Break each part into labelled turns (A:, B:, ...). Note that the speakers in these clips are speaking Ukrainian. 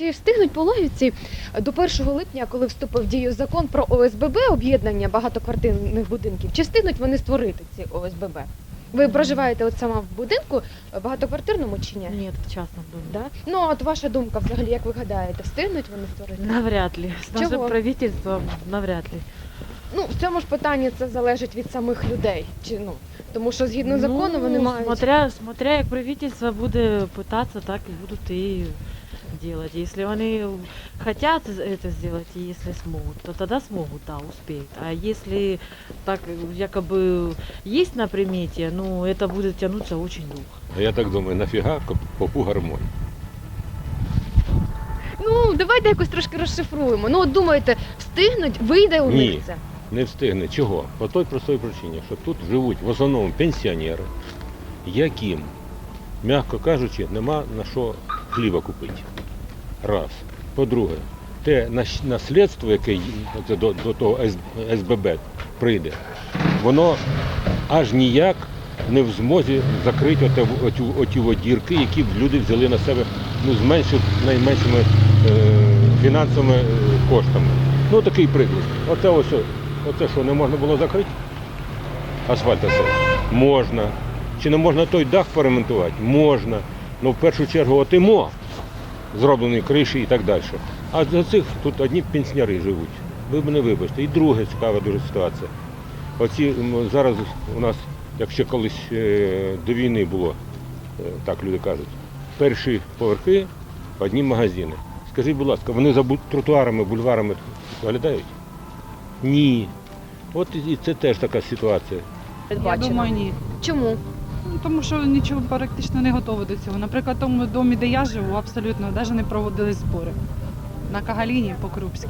A: чи встигнуть пологівці до 1 липня, коли вступив в дію закон про ОСББ, об'єднання багатоквартирних будинків, чи встигнуть вони створити ці ОСББ? Ви проживаєте от сама в будинку багатоквартирному чи ні?
B: Нет, в частном доме.
A: Да? Ну, от ваша думка взагалі, як ви гадаєте, встигнуть вони створити?
B: Навряд ли. С нашим
A: Чего?
B: правительством навряд ли.
A: Ну, в цьому ж питанні це залежить від самих людей. Чи, ну, тому що згідно закону вони мають...
B: Смотря як правительство буде пытаться, так и будут и делать. Если они хотят это сделать, и если смогут, то тогда смогут, да, успеют. А если так якобы есть на примете, ну, это будет тянуться очень долго.
C: Я так думаю, нафіга попу гармонь?
A: Ну, давайте якось трошки розшифруємо. Ну, от думаєте, встигнуть, вийде у
C: Ні.
A: них це?
C: Не встигне. Чого? По той простій причині, що тут живуть в основному пенсіонери, яким, м'яко кажучи, нема на що хліба купити. Раз. По-друге, те наслідство, яке до того СББ прийде, воно аж ніяк не в змозі закрити оті дірки, які люди взяли на себе, ну, з найменшими фінансовими коштами. Ну, такий приклад. Оце що, не можна було закрити? Асфальт оце? Можна. Чи не можна той дах поремонтувати? Можна. Ну, в першу чергу, отимо, зроблені криші і так далі. А за цих тут одні пенсіонери живуть. Ви мене вибачте. І друга цікава дуже ситуація. Оці зараз у нас, як ще колись до війни було, так люди кажуть, перші поверхи, одні магазини. Скажіть, будь ласка, вони за тротуарами, бульварами доглядають? Ні. От і це теж така ситуація.
D: Я думаю, ні.
A: Чому?
D: Ну, тому що нічого практично не готово до цього. Наприклад, в тому домі, де я живу, абсолютно навіть не проводили збори. На Кагаліні, по-крупськи.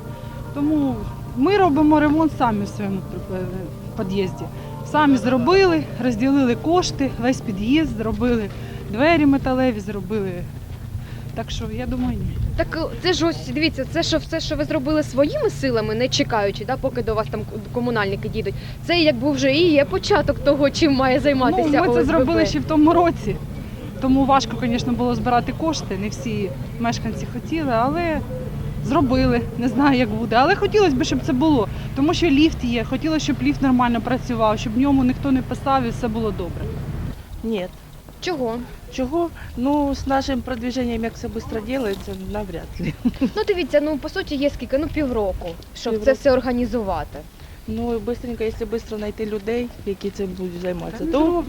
D: Тому ми робимо ремонт самі в своєму під'їзді. Самі зробили, розділили кошти, весь під'їзд зробили, двері металеві зробили. Так що, я думаю, ні.
A: Так це ж ось, дивіться, це що все, що ви зробили своїми силами, не чекаючи, да, поки до вас там комунальники дійдуть. Це якби вже і є початок того, чим має займатися
D: Ну, ми це
A: ОСББ.
D: зробили ще в тому році. Тому важко, звісно, було збирати кошти. Не всі мешканці хотіли, але зробили. Не знаю, як буде. Але хотілося б, щоб це було. Тому що ліфт є. Хотілося, щоб ліфт нормально працював, щоб в ньому ніхто не писав і все було добре.
E: Нет.
A: Чого?
E: Чего? Ну, с нашим продвижением, як все швидко делается, навряд ли.
A: Ну дивіться, ну по суті є скільки, ну півроку, щоб це
E: Півроку.
A: все організувати.
E: Ну, і быстренько, якщо швидко знайти людей, які цим будуть займатися, то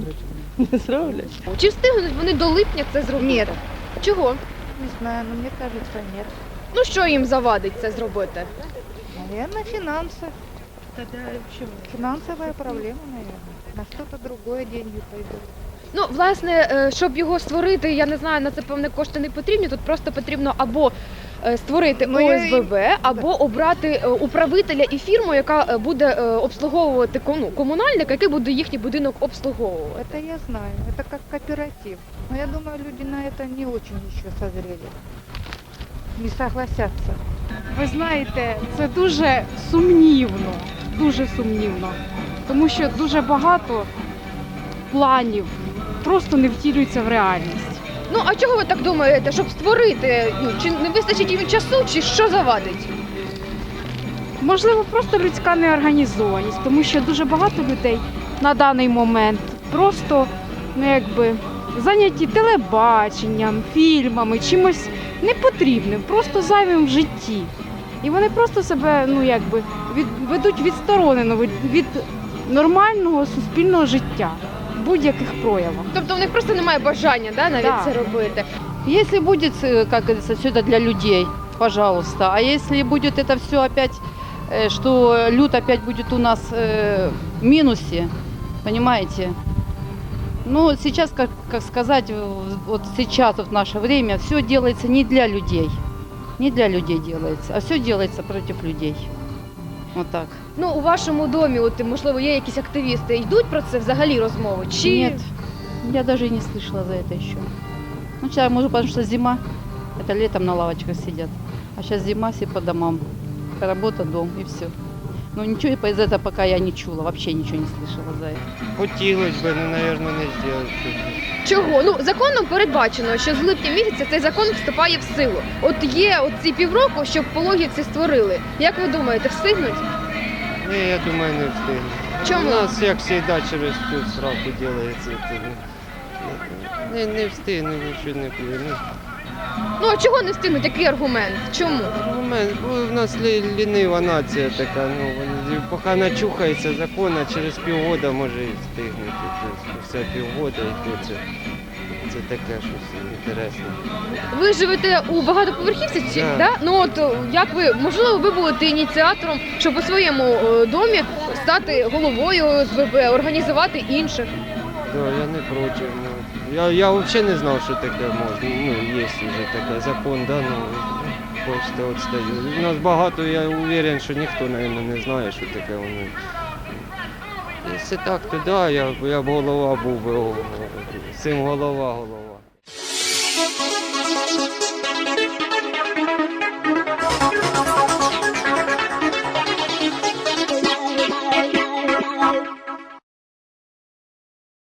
E: не зроблять.
A: Чи встигнуть вони до липня це зробити?
F: Ні.
A: Чого?
F: Не знаю, но мне кажется, нет.
A: Ну що їм завадить це зробити?
F: Наверное, финансы. Финансовая проблема, наверное. На что-то другое деньги пойдут.
A: Ну, власне, щоб його створити, я не знаю, на це певне кошти не потрібні. Тут просто потрібно або створити
F: Ну, я і-
A: ОСББ, або обрати управителя і фірму, яка буде обслуговувати комунальника, який буде їхній будинок обслуговувати.
F: Это я знаю. Это как кооператив. Но я думаю, люди на это не очень еще созрели. Не согласятся.
G: Ви знаєте, це дуже сумнівно, тому що дуже багато планів просто не втілюються в реальність.
A: Ну, а чого ви так думаєте, щоб створити? Ну, чи не вистачить їм часу, чи що завадить?
G: Можливо, просто людська неорганізованість, тому що дуже багато людей на даний момент просто зайняті телебаченням, фільмами, чимось непотрібним, просто зайвим в житті. І вони просто себе ведуть відсторонено від нормального суспільного життя в будь-яких проявах.
A: Тобто в них просто немає бажання, да, навіть
G: Да.
A: це робити.
H: Если будет, как говорится, все это для людей, пожалуйста. А если будет это все опять, что люд опять будет у нас в минусе, понимаете? Ну, сейчас, как сказать, вот сейчас, вот в наше время, все делается не для людей. Не для людей делается, а все делается против людей. Вот так.
A: Ну, у вашому домі, от, можливо, є якісь активісти, йдуть про це взагалі розмови? Чи...
H: Нет, я даже и не слышала за это еще. Ну, сейчас, может, потому что зима, это летом на лавочках сидят. А сейчас зима, все по домам. Работа, дом и все. Но ничего из этого пока я не чула, вообще ничего не слышала за это.
I: Хотілося б, але, мабуть, не зробити.
A: Чого? Ну, законом передбачено, що з липня місяця цей закон вступає в силу. От є оці півроку, щоб пологівці створили. Як ви думаєте, встигнуть?
I: Ні, я думаю, не встигну.
A: Чому?
I: У нас, як завжди, через цю сраку робиться. Не встигну, нічого не буде.
A: Ну, а чого не встигнуть? Який аргумент? Чому?
I: Аргумент, бо в нас лінива нація така, поки начухається закон, а через півгода може і встигнути. Тобто, все півгода і то це таке щось інтересне.
A: Ви живете у багатоповерхівці? Чи,
I: Да.
A: да? Ну от як ви, можливо, ви будете ініціатором, щоб у своєму домі стати головою ОСББ, організувати інших?
I: Да, я не проти. Я взагалі не знав, що таке можна. Є вже таке закон, да, хочете отстаю. У нас багато, я уверен, що ніхто, мабуть, не знає, що таке воно. Якщо так, то да, я б голова був би, цим голова.